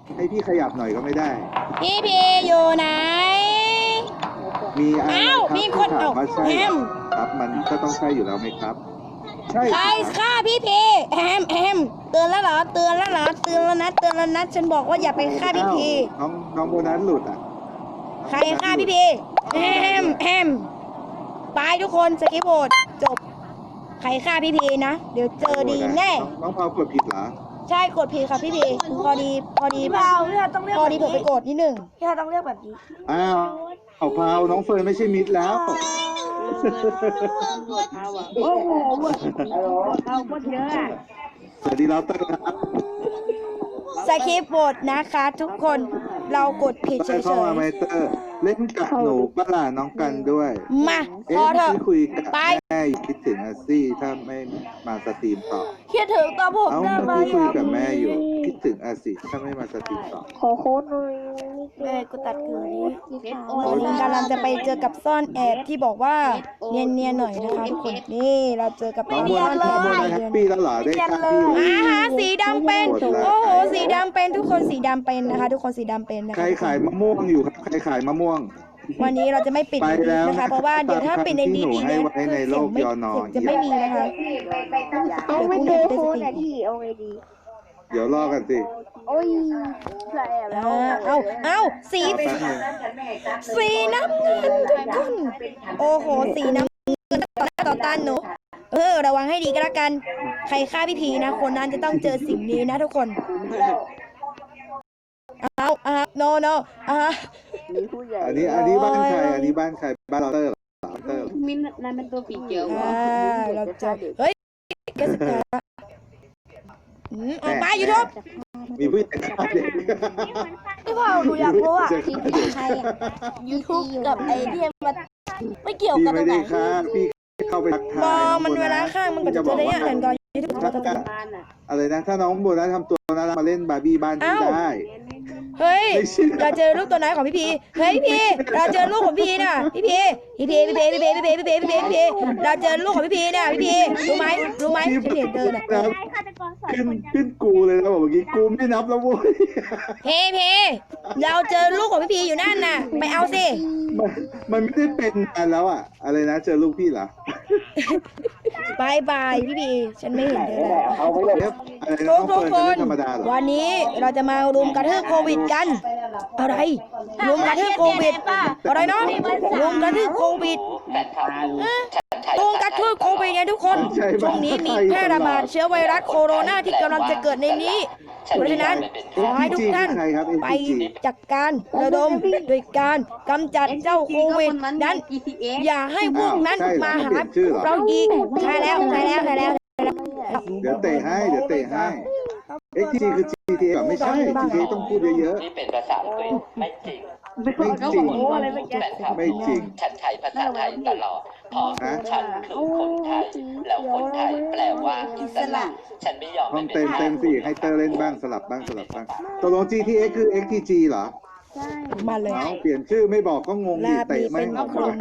ให้พี่ขยับหน่อยก็ไม่ได้พี่พีอยู่ไหนมีอะไรอ้าวครับมีคนที่ถามว่าใช่แฮมครับ มันก็ต้องใช่อยู่แล้วไหมครับ ใช่ใครฆ่าพี่พีแฮมเตือนแล้วเหรอเตือนแล้วเหรอเตือนแล้วนะฉันบอกว่าอย่าไปฆ่าพี่พีอ้าวน้องโบนัสหลุดอ่ะใครฆ่าพี่พีแฮมไปทุกคนสกิปโหวตจบใครฆ่าพี่พีนะเดี๋ยวเจอดีแน่น้องพาวกดผิดเหรอใช่กดพีค่ะพี่พีพอดีพี่เผาพี่เผาต้องเรียกพอแบบดีนี้เผื่อไปกดนิดหนึ่งพี่เผาต้องเรียกแบบนี้อ้าวเอาพาวน้องเฟิร์นไม่ใช่มิดแล้วโอ้โหเขาโคตรเยอะอะสวัสดีเราเตอร์ครับสคริปต์บทนะคะทุกคนเรากดผิดเฉเข้าย มาไมเตอร์ เล่นกับหนูปะล่ะน้องกันด้วยๆมาพเอ๊ะอเถเมื่ออะกี้คุยกับไปแม่อยู่คิดถึงอาซี่ถ้าไม่มาสตรีมต่อคิดถึงตัวผมเอ้าได้ไหมเมื่อกี้คุยกับแม่อยู่ คิดถึงอาซี่ถ้าไม่มาสตรีมต่อขอโค้ดหน่อยแม่กูตัดเกลือนี้ตอนนี้กำลังจะไปเจอกับซ่อนแอบที่บอกว่าเนียนๆหน่อยนะคะทุกคนนี่เราเจอกับน้องซ่โบอนนัสแอน้องบโบนัสแฮปปี้แล้วเหรอได้ค่าพี่สีดำเป็นโอ้โหสีดำเป็นทุกคนสีดำเป็นนะคะ ทุกคนสีดำเป็นนะใครคะขายมะม่วงอยู่ครับ ใครขายมะม่วงวันนี้เราจะไม่ปิดไปในดีแล้วนะคะ เพราะว่าเดี๋ยวถ้าปิดในดีที่หนูให้เนี่ยไว้ในโลกยอนอเสียงจะไม่มีนะคะต้องไม่เจอโค้ดอะที่เอาไงดีเดี๋ยวรอกันสิโอ้ยใส่แล้วเอาสีรอแป๊บนึงสีน้ำเงินทุกคน โอ้โห สีน้ำเงินต่อหน้าต่อตาหนูระวังให้ดีก็แล้วกัน ใครฆ่าพี่พีนะ คนนั้นจะต้องเจอสิ่งนี้นะทุกคนโนมีผู้ใหญ่อันนี้บ้านใคร อันนี้บ้านใคร บ้านเราเตอร์เหรอเตอร์มินนั่นเป็นตัวปีเกียวเหรอเราเจอเฮ้ยแกสกาออกไปยูทูบมีผู้ใหญ่ฆ่าเด็กพี่เผาหนูอยากรู้อะจะฆ่าเด็กใครอะยูทูบกับไอ้ที่มันไม่เกี่ยวพี่กันตรไม่งไหนได้ฆ่าพี่เข้าไปทักทายบอน้องมันโบเวลานัสข้างมันก็จะเจอได้ยังไงก่อนยูทูบบ้านอ่ะอะไรนะ ถ้าน้องโบนัสทำตัวน่ารักมาเล่นบาร์บี้บ้านพี่ได้เฮ้ยเราเจอลูกตัวไหนของพี่พีเฮ้ยพี่เราเจอลูกของพี่น่ะพี่พีเราเจอลูกของพี่พีน่ะพี่พีรู้ไหมพี่เห็นเดินอ่ะขึ้นกูเลยนะบอกเมื่อกี้กูไม่นับแล้วโว้ยพีเราเจอลูกของพี่พีอยู่นั่นน่ะไปเอาสิมันไม่ได้เป็นนานแล้วอะอะไรนะเจอลูกพี่เหรอบายพี่พีฉันไม่เห็นเธอแล้วเอาไว้เลยอะไรนะน้องทุเฟิกร์นคนจะเล่นธรรมดาเหรอวันนี้เราจะมารุมกระทืบโควิดกันอะไรรุมกระทืบโควิดอะไรเนาะรุมกระทืบโควิดรุมกระทืบโควิดไงทุกคนช่วงนี้มีแพร่ระบาดเชื้อไวรัสโคโรนาที่กำลังจะเกิดในนี้เพราะฉะนั้นขอให้ทุกท่านไปจัดการระดมโดยการกำจัดเจ้าโควิดนั้น อย่าให้พวกนั้นมาหาเราอีกใช่แล้วเดี๋ยวเตะให้XTG คือ GTA แบบไม่ใช่ GTA ต้องพูดเยอะนี่เป็นภาษาอังกฤษไม่จริงๆไม่จริง ไม่จริงฉันใช้ภาษาไทยตลอดเพราะฉันคือคนไทย แล้วคนไทยแปลว่าอิสระ ฉันไม่ยอมห้องให้เป็นเต็มสิให้เตอร์เล่นบ้างสลับบ้างตกลง GTA คือ XTG เหรอมาเลยเอาเปลี่ยนชื่อไม่บอกก็งงดิเตะไม่ออกมา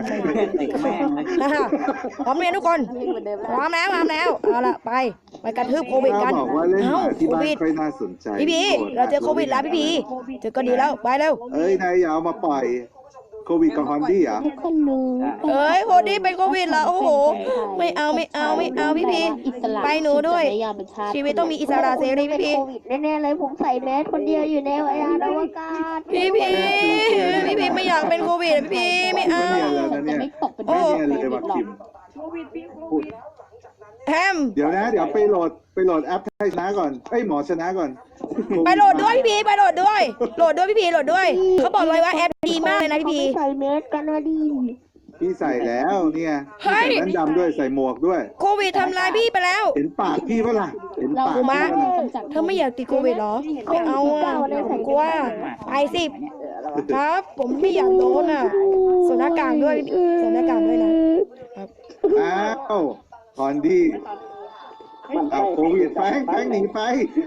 พร้อมเรียนทุกคนพร้อมแล้วเอาละไปกระทืบโควิดกันถ้าบอกว่าเล่นหมาที่โคบ้านวิดค่อยน่าสนใจพี่พีเราเจอโควิดแล้วพี่พีเจอก็ดีแล้วไปเร็วเอ้ยนายอย่าเอามาปล่อยโควิดกับฮอนดี้เหรอคนรู้เอ้ยโคดี้เป็นโควิดแล้วโอ้โหไม่เอาพี่พีไปหนูด้วย ชีวิตต้องมีอิสระเสรีพี่พีโควิดแน่ๆเลยผมใส่แมสคนเดียวอยู่ในยานอวกาศพี่พีไม่อยากเป็นโควิดพี่พีไม่เอาไม่เนียนเลยนะเนี่ยไม่เนียนเลยว่ะคิมพูดแฮมเดี๋ยวนะ เดี๋ยวไปโหลดแอปไทยชนะก่อนเอ้ยหมอชนะก่อนไปโหลดด้วยพี่พีไปโหลดด้วยพี่พีโหลดด้วยเขาบอกเลยว่าแอปดีมากเลยนะพี่พีใส่แมสกันนะดีพี่ใส่แล้วเนี่ยเฮ้ยใส่แว่นดำด้วยใส่หมวกด้วยโควิดทำลายพี่ไปแล้วเห็นปากพี่ปะล่ะเห็นปากกูมาพี่ปะล่ะเธอไม่อยากติดโควิดเหรอไม่เอาอ่ะผมกลัวไปสิครับ ผมไม่อยากโดนอ่ะสวมหน้ากากด้วยนะครับอ้าวฮอนดี้เอาโควิดแฟงหนีไป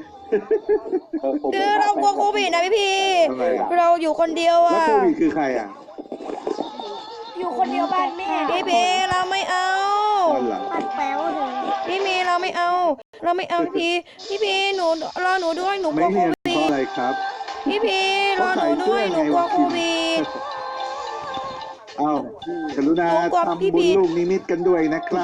คือเรากลัวโควิดนะพี่พีทำไมอ่ะเราอยู่คนเดียวแล้วอ่ะโควิดคือใครอ่ะอยู่คนเดียวบ้านแม่พี่พีเราไม่เอาตอนหลังปัดแป๊วเลยพี่พีเราไม่เอาพี่พีหนูรอหนูด้วยหนูกไม่ลัวโคเนียนวิเพราะดอะไรครับพี่รอหนูด้วยหนูกลัวโควิดอ้าวกรุณาทำบุญลูกนิมิตกันด้วยนะครับ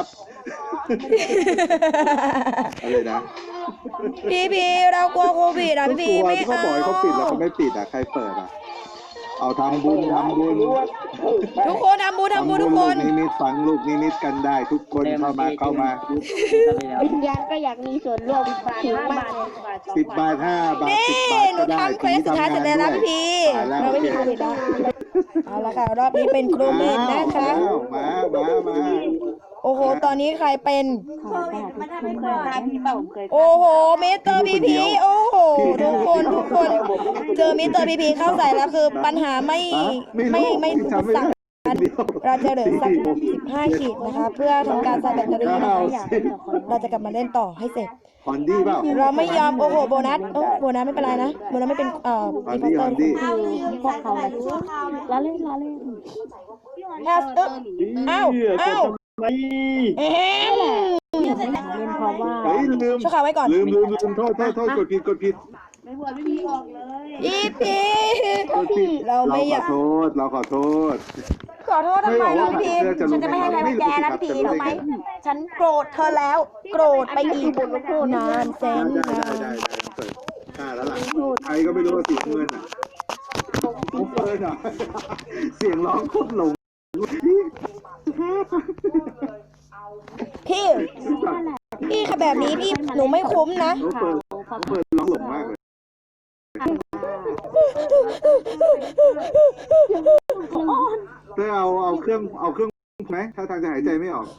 อะไรนะพี่เรากลัวโควิดอ่ะพี่ไม่เขาเอาบอกให้เขาปิดแล้วเขาไม่ปิดอ่ะใครเปิดอ่ะเอาทำบุญทุกคนทำบุญทุกคนลูกนิมิตฝังลูกนิมิตกันได้ ทุกคนเข้ามาวิญญาณก็อยากมีส่วนร่วมถึงมากเลย 10 บาท 5 บาทนี่ 10 บาทหนูก็ได้ทำเควสสุดท้ายเสร็จแล้วนะพี่เราไม่มีโควิดแล้วเอาละค่ะรอบนี้เป็นโควิดนะคะมาโอ้โหตอนนี้ใครเป็นมันทำให้เคยตายพี่เปล่าผมเคยโอ้โหมิสเตอร์พีพีโอ้โหทุกคนเจอมิสเตอร์พีพีเข้าใส่แล้วคือปัญหาไม่อุปสรรคเราจะเหลือสัก15 ขีดนะคะเพื่อทำการใส่แบตเตอรี่นะคะเราจะกลับมาเล่นต่อให้เสร็จฮอนดี้เปล่าเราไม่ยอมโอ้โหโบนัสโบนัสไม่เป็นไรนะโบนัสไม่เป็นฮอนอินพอดี้ร์เตฮออนร์ดี้พวกเขาแล้วเล่นแฮสเอ้าเอ็มเล่นเพราะว่าเฮ้ยลืมช่วยข่าวไว้ก่อนลืมโทษกดผิดไม่บวชไม่มีออกเลยอีพีเราไม่อยากเราขอโทษขอโทษทำไมล่ะพี่พีฉันจะไม่ให้ใครมาแกนะพี่พีรู้ไหมฉันโกรธเธอแล้วโกรธไปอีกนานแสนนานได้เปิดแล้วล่ะใครก็ไม่รู้ว่าเสียงเงินอ่ะผมเปิดอ่ะเสียงร้องโคตรหลงพี่ค่ะแบบนี้พี่หนูไม่คุ้มนะเขาเปิดร้องหลงมากเลยเธอเอาเครื่องไหมถ้าทางจะหายใจไม่ออก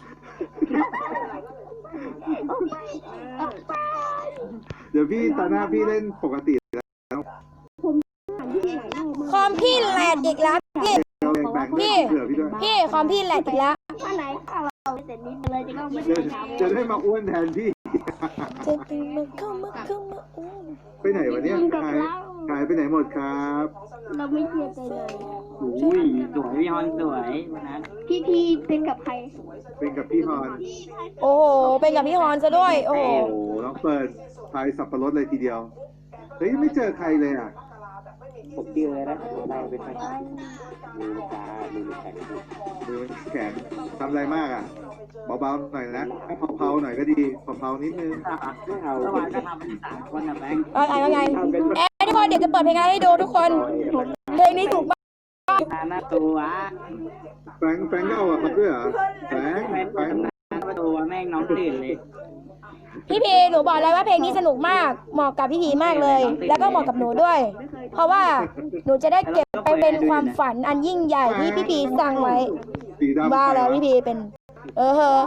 เดี๋ยวพี่ตอนหน้าพี่เล่นปกติแล้วคอมพี่แหลกอีกแล้วพี่พี่คอมพี่แหลกอีกแล้วถ้าไหนถ้าเราเสร็จนิดเลยจะไม่จะได้มาอ้วนแทนพี่จะเป็นมันเข้ามาอ้วนไปไหนวะเนี่ยหายไปไหนหมดครับเราไม่เชื่อใจเลยอุ้ยสวยพี่ฮอนสวยวันนั้นพี่เป็นกับใครเป็นกับพี่ฮอนโอ้โหเป็นกับพี่ฮอนซะด้วยโอ้โหโอ้น้องเปิดพายสับปะรดเลยทีเดียวเฮ้ยไม่เจอใครเลยอ่ะผมเจอแล้วได้เป็นไงมือจ้ามือแข็งมือมันแข็งทำอะไรมากอ่ะเบาๆหน่อยนะเผาๆหน่อยก็ดีเผาๆนิดนึงไม่เอาเมื่อวานก็ทำเป็น3 คนนะแบงค์ว่าไงทุกคนเดี๋ยวจะเปิดเพลงให้ดูทุกคนเพลงนี้ถูกมากหน้าตัวแฟงก็เอาอะครับด้วยเหรอแฟงหน้าตัวแม่งน้องตื่นเลยพี่พีหนูบอกเลยว่าเพลงนี้สนุกมากเหมาะกับพี่พีมากเลย แล้วก็เหมาะกับหนูด้วย เพราะว่าหนูจะได้เก็บไปเป็นความฝันอันยิ่งใหญ่ที่พี่พีสั่งไว้สีดำว่าแล้วพี่พีเป็นเด้อ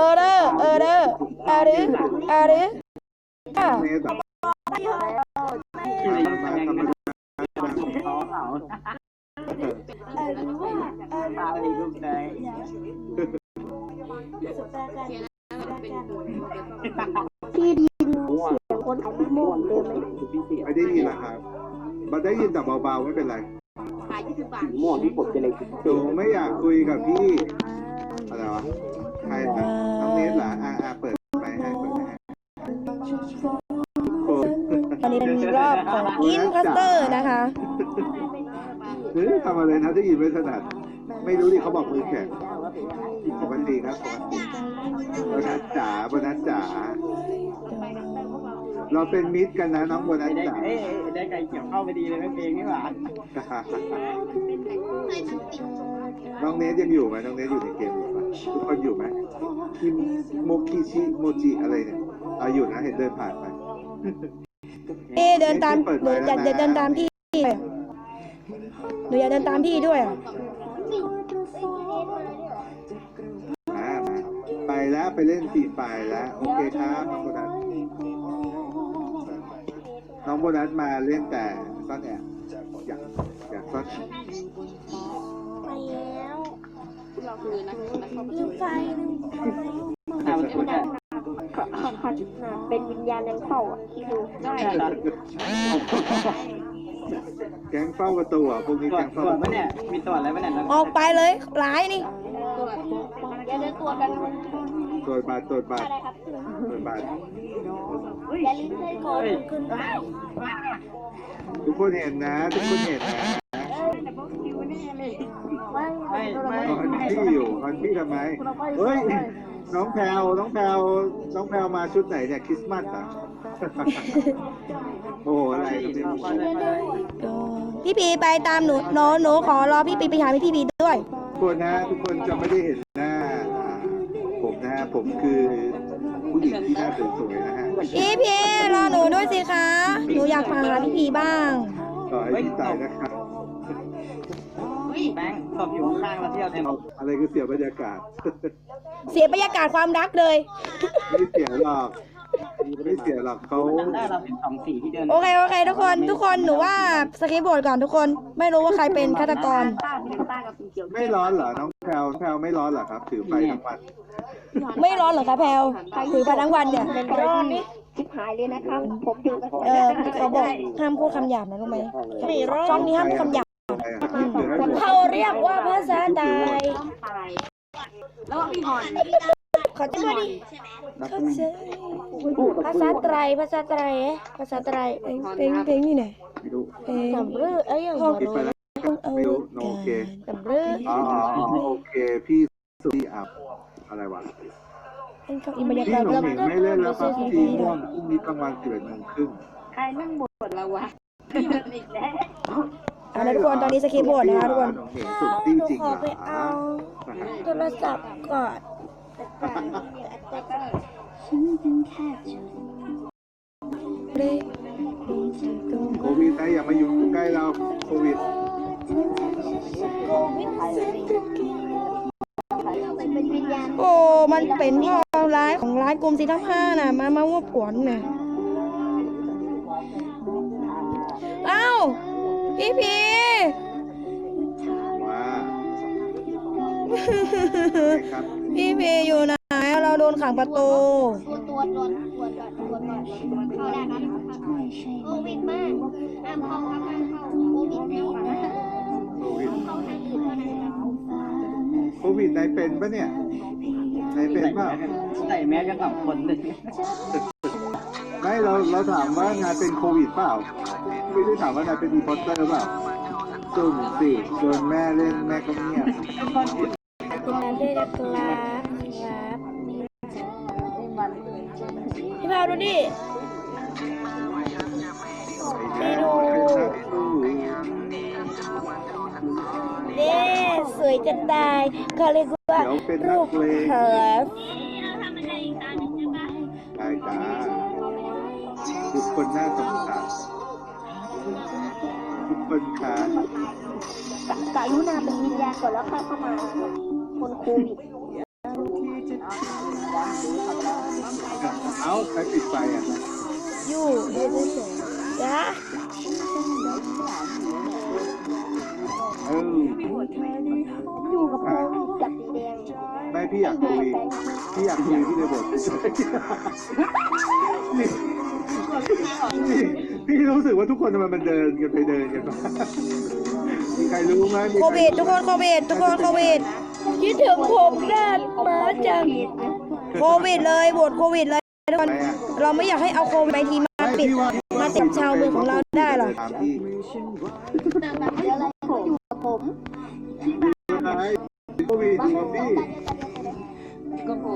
อ่ะเมสอะเขาตาเลยลูกใจที่ดินเสียงคนขายโม่เดิมเลยไม่ได้ยินนะครับมันได้ยินแต่เบาๆไม่เป็นไรขาย20 บาทม่วงที่ผมจะเลยหนูไม่อยากคุยกับพี่อะไรวะใครนะน้องเนสเหรอเปิดไปให้โอ้ตอนนี้เป็นรอบของอินคัสเตอร์นะคะทำอะไรนะได้ยินไม่ถนัดไม่รู้ดิเขาบอกมือแข็งปกติครับโบนัสจ๋าเราเป็นมิตรกันนะน้องโบนัสจ๋าได้ไก่เกี่ยวเข้าไปดีเลยไม่เพลงนี่หว่าน้องเนสยังอยู่ไหมน้องเนสอยู่ในเกมอยู่ปะทุกคนอยู่ไหมคิมโมกิชิโมจิอะไรเนี่ยอยู่นะเห็นเดินผ่านไปเดินตามหนูอยากเดินตามพี่หนูอยากเดินตามพี่ด้วยอ่ะมาไปแล้วไปเล่นฟรีไฟแล้วโอเคครับน้องโบนัสมาเล่นแต่ซ่อนแอบอยากซ่อนแอบไปแล้วเราคือนักเข้าประลืตูมไฟเป็นวิญญาณยังเฝ้าอ่ะที่ดูได้แก๊งเฝ้าประตูอ่ะพวกนี้ตรวแก๊จงเฝ้าตรวจปะเนี่ยมีตรวจอะไรปะเนี่ยออกไปเลยร้ายนี่อย่าเดินตัวกันตรวจบัตรตรวจบัตรอะไรครับตรวจบัตรอย่าลืมใส่โค้ดขึ้นไปทุกคนเห็นนะ ทุกคนเห็นนะไม่ฮอนพี่อยู่ฮอนพี่ทำไมเฮ้ยน้องแพลวน้องแพลวน้องแพลวมาชุดไหนเนี่ยคริสต์มาสอ่ะ โอ้โหอะไรเนี่ยพี่พีไปตามหนูขอรอพี่พีไปหาพี่พีด้วยทุกคนนะทุกคนจะไม่ได้เห็นหน้าผมนะฮะผมคือผู้หญิงที่หน้าสวยๆนะฮะพี่พีรอหนูด้วยสิคะ หนูอยากมาหาพี่พีบ้างต่อให้พี่ตายนะครับแบงค์ตบอยู่ข้างๆแล้วเที่ยวเต็มอะไรก็เสียบรรยากาศเสียบรรยากาศความรักเลยไม่เสียหรอกไม่เสียหรอกเขาจำได้เราเป็น2 สีที่เดินโอเคทุกคนหนูว่าสคริปต์บทก่อนทุกคน ไม่รู้ว่าใครเป็นฆาตกรไม่ร้อนเหรอน้องแพลวแพลวไม่ร้อนเหรอครับ ถือไฟทั้งวันไม่ร้อนเหรอคะแพลวถือไปทั้งวันเนี่ยร้อนนี่ชิบหายเลยนะครับ ผมอยู่กับเขาบอกห้ามพูดคำหยาบนะรู้ไหมช่องนี้ห้ามพูดคำหยาบอะไรอะถือให้หมดเขาเรียกว่าภาษาไทยแล้วก็พี่ฮอนเขาจะมาดิเขาจะภาษาไตรภาษาไตรภาษาไตรเพลงนี่ไหนไม่รู้เพลงสำรือห้องปิดไปแล้วไม่รู้โอเคสำรืออ๋อโอเคพี่สุริอับอะไรวะเป็นเขาอินบรรยาพี่กาศหนุ่มหนิงไม่เล่นแล้วครับพี่ม่วงพรุ่งนี้กลางวัน11:30 ใครนั่งบทเราวะอีกแล้วทุกคนตอนนี้สคริปต์บทนะคะทุกคนหนุ่มหนิงสุดที่จริงขอเหรไปอเอาโทรศัพท์ก่อนเร่โควิดนะอย่ามาอยู่ใกล้เราโควิดเป็นวิญญาณโอ้มันเป็นความร้ายของร้ายกลุ่มสีทั้งห้าน่ะมาว่าปวนน่ะเอ้าพี่พีว่าครับพี่พีอยู่ไหนเราโดนขังประตูตัวก่อนเข้าได้ครับโควิดมากห้ามเข้าครับห้ามเข้าโควิดแล้วนะโควิดเข้าทางอื่นเท่านั้นครับโควิดนายเป็นปะเนี่ยนายเป็นเปล่าใส่แมสกัน2 คนเลยไม่เราถามว่านายเป็นโควิดเปล่าไม่ได้ถามว่านายเป็นอีพอสเตอร์เปล่าจุ่มสิโดนแม่เล่นแม่ก็เงียบได้แล้วครับพี่พาวดูดิไปดูเด้สวยจะตายเขาเรียกว่าเดี๋ยวเป็นนัรูกปเลงเฮิร์ฟได้จ้าทุกคนน่าสงสารทุกคนค่ะกรุณาเป็นวิญญาณก่อนแล้วค่อยเข้ามาคนโควิดเอ้าใครปิดไฟอ่ะอยู่เฉยๆจ้าอยู่กับโควิดกับสีแดงไม่พี่อยากคุยพี่เลยบอกพี่รู้สึกว่าทุกคนทำไมมันเดินกันไปเดินกันมามีใครรู้ไหมโควิดทุกคนโควิดคิดถึงผมด้านมาจังโควิดเลยบทโควิดเลยทุกคนเราไม่อยากให้เอาโควิดไปทีมาปิดมาติดชาวเมืองของเราได้หรอถามพี่เดี๋ยวอะไรผมอยู่กับผมอะไรโควิดอยู่กับพี่ก็ผม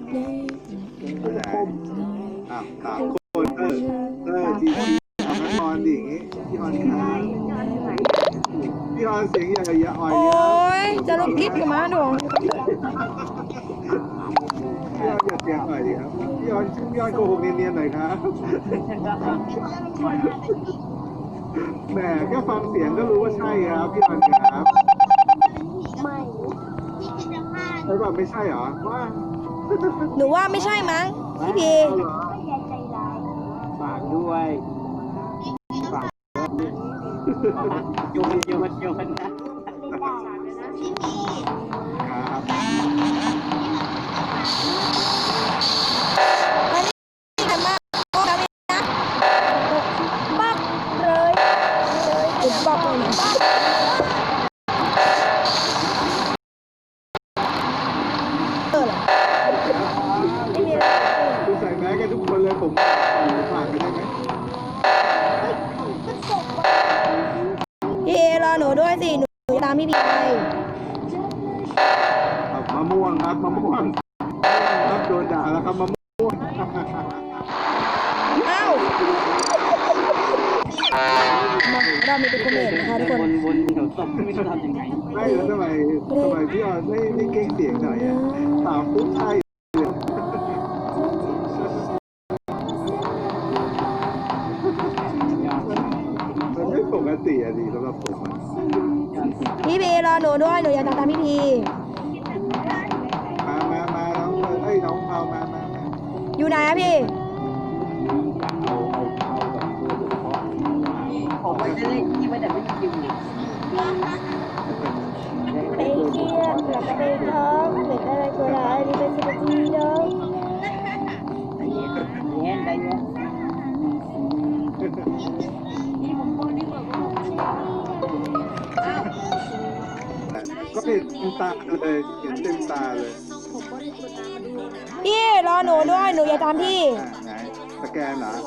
อ่ะถามคนจีพี่ฮอนดิอย่างงี้พี่ฮอนครับพี่ฮอนเสียงอย่างกับยาอ่อยโอ้ยจะลงคิดกับมาดวงพี่ฮอนอย่าเสียงอ่อยดิครับพี่ฮอนโกหกเนียนๆหน่อยครับแหมแค่ฟังเสียงก็รู้ว่าใช่ครับพี่ฮอนครับไม่ใช่ป่ะไม่ใช่เหรอว่าหนูว่าไม่ใช่มั้งพี่พีเอาเหรอไม่อยากใจร้ายฝากด้วยฝากโยนนะไม่ได้ครับมันนี่กันมากโอ้ยนะปักเลยติดปักเลยนะเออเหรอหนูด้วยสิหนูตามพี่พีไปมะม่วงครับมะม่วงครับโดนด่าแล้วครับมะม่วงอ้าวเรามีเป็นคอมเมนต์นะคะทุกคนวนๆเดี๋ยวตบไม่รู้ทำยังไงไม่แล้วทำไมพี่ออนไม่เก่งเสียงหน่อยอ่ะถามปุ๊บใช่เลยมันไม่ปกติอ่ะดิสำหรับผมอ่ะพี่พีรอหนูด้วยหนูอยากตามพี่พีมาน้องน้องเอามาอยู่ไหนอะพี่ผมว่าจะเล่นที่ว่าแต่ไม่จริงไปเที่ยวกลับไปท้องเห็นอะไรก็ได้นี่เป็นสิ่งที่ดีเนาะเย็นได้เย็นก็เห็นเต็มตาเลยเห็นเต็มตาเลยพี่รอหนูด้วยหนูอยากตามพี่ไหนสแกนเหรอ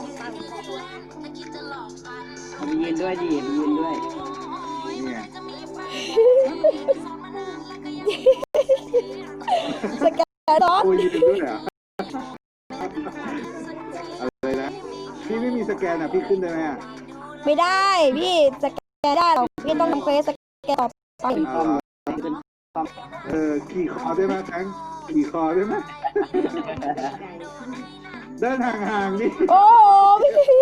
มียืนด้วยดิมียืนด้วยนี่ไงสแกนตอนโอ้ยยืนด้วยเหรออะไรนะพี่ไม่มีสแกนอ่ะพี่ขึ้นได้ไหมอ่ะไม่ได้พี่สแกนได้หรอกพี่ต้องทำเควสสแกนต่อไปขี่คอได้ไหมแทงขี่คอได้ไหมเดินห่างๆดิโอ้โหพี่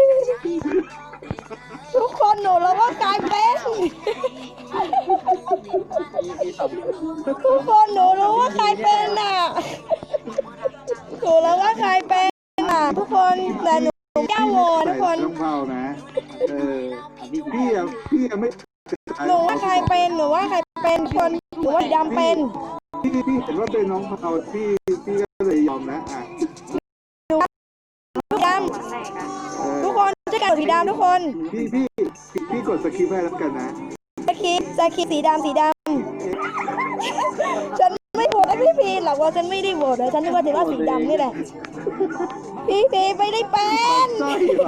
ทุกคนหนูแล้วว่ากลายเป็นทุกคนหนูรู้ว่าใครเป็นน่ะหนูแล้วว่าใครเป็นน่ะทุกคนแต่หนูแก้วโหวตทุกคนต้องเผานะพี่อะไม่หนูว่าใครเป็นหนูว่าใครเป็นคนหนูว่าสีดำเป็นพี่เห็นว่าเป็นน้องเผาพี่ก็เลยยอมนะอ่ะสีดำทุกคนช่วยกันสีดำทุกคนพี่กดสคริปต์ให้แล้วกันนะสคริปสีดำฉันไม่โหวตให้พี่พีหรอกว่าฉันไม่ได้โหวตนะฉันนึกว่าจะว่าสีดำนี่แหละพี่พีไม่ได้เป็นใช่ป่ะ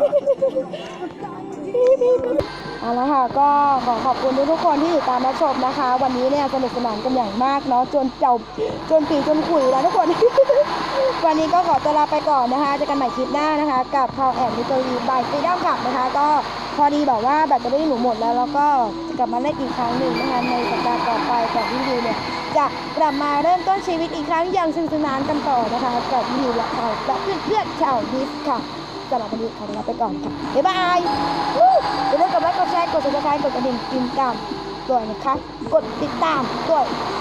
เอาละค่ะก็ขอบคุณทุกคนที่ติดตามรับชมนะคะ วันนี้เนี่ยสนุกสนานกันอย่างมากเนาะจนปีจนขุยแล้วทุกคน วันนี้ก็ขอตัวลาไปก่อนนะคะเจอกันใหม่คลิปหน้านะคะกับพาวแอนด์มิสเตอรี่บายฟรีดอมกับนะคะก็พอดีแบบว่าแบตเตอรี่หนูหมดแล้วแล้วก็จะกลับมาเล่นอีกครั้งหนึ่งนะคะในสัปดาห์ต่อไปก่อนที่ดิวเนี่ยจะกลับมาเริ่มต้นชีวิตอีกครั้งอย่างสนุกสนานกันต่อนะคะกับดิวและเขาและเพื่อนๆชาวดิสค่ะสำหรับวันนี้ขอตัวลาไปก่อนค่ะบ๊ายบายอย่าลืมกดไลค์กดแชร์กด subscribe กดกระดิ่งกินตามด้วยนะคะกดติดตามด้วย